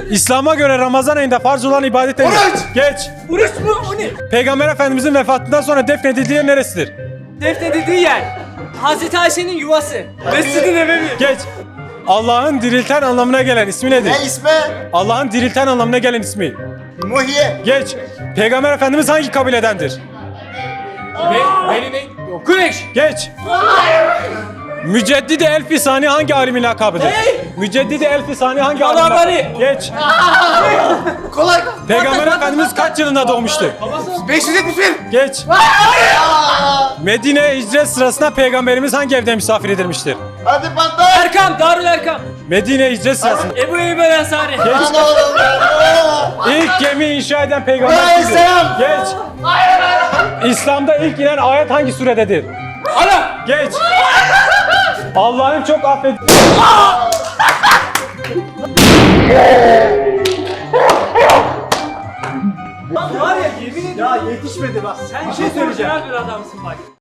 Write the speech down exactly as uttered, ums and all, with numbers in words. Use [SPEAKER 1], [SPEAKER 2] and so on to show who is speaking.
[SPEAKER 1] İslam'a göre Ramazan ayında farz olan ibadet nedir?
[SPEAKER 2] Oruç!
[SPEAKER 1] Geç.
[SPEAKER 3] Oruç mu? O ne?
[SPEAKER 1] Peygamber Efendimizin vefatından sonra defnedildiği yer neresidir?
[SPEAKER 3] Defnedildiği yer. Hazreti Ayşe'nin yuvası. Mescid-i Nebevi.
[SPEAKER 1] Geç. Allah'ın dirilten anlamına gelen ismi nedir?
[SPEAKER 2] Ne ismi?
[SPEAKER 1] Allah'ın dirilten anlamına gelen ismi.
[SPEAKER 2] Muhyi.
[SPEAKER 1] Geç. Peygamber Efendimiz hangi kabiledendir?
[SPEAKER 3] Be beni ne? Yok. Kureyş.
[SPEAKER 1] Geç. Müceddidi Elfi Sani hangi alimin lakabıdır?
[SPEAKER 3] Ne?
[SPEAKER 1] Müceddidi Elfi Sani hangi alimin
[SPEAKER 3] Yalanları.
[SPEAKER 1] lakabıdır? Geç.
[SPEAKER 2] Kolay.
[SPEAKER 1] Peygamber Efendimiz kaç yılında doğmuştur?
[SPEAKER 2] beş yüz yetmiş bir.
[SPEAKER 1] Geç. Medine'ye hicret sırasında Peygamberimiz hangi evde misafir edilmiştir?
[SPEAKER 2] Hadi patlar.
[SPEAKER 3] Erkam. Darül Erkam.
[SPEAKER 1] Medine'ye hicret sırasında.
[SPEAKER 3] Ebu Eyyub el Ensari.
[SPEAKER 1] Geç.
[SPEAKER 2] Lan oğlum ya.
[SPEAKER 1] İlk gemi inşa eden peygamber kimdir?
[SPEAKER 2] Aleyhisselam.
[SPEAKER 1] Geç. İslam'da ilk inen ayet hangi surededir?
[SPEAKER 3] Ana.
[SPEAKER 1] Geç. Allah'ın çok affet...
[SPEAKER 3] Var ya yemin ediyorum.
[SPEAKER 2] Ya yetişmedi bak.
[SPEAKER 3] Sen bir şey söyleyeceğim. Bir adamsın bak.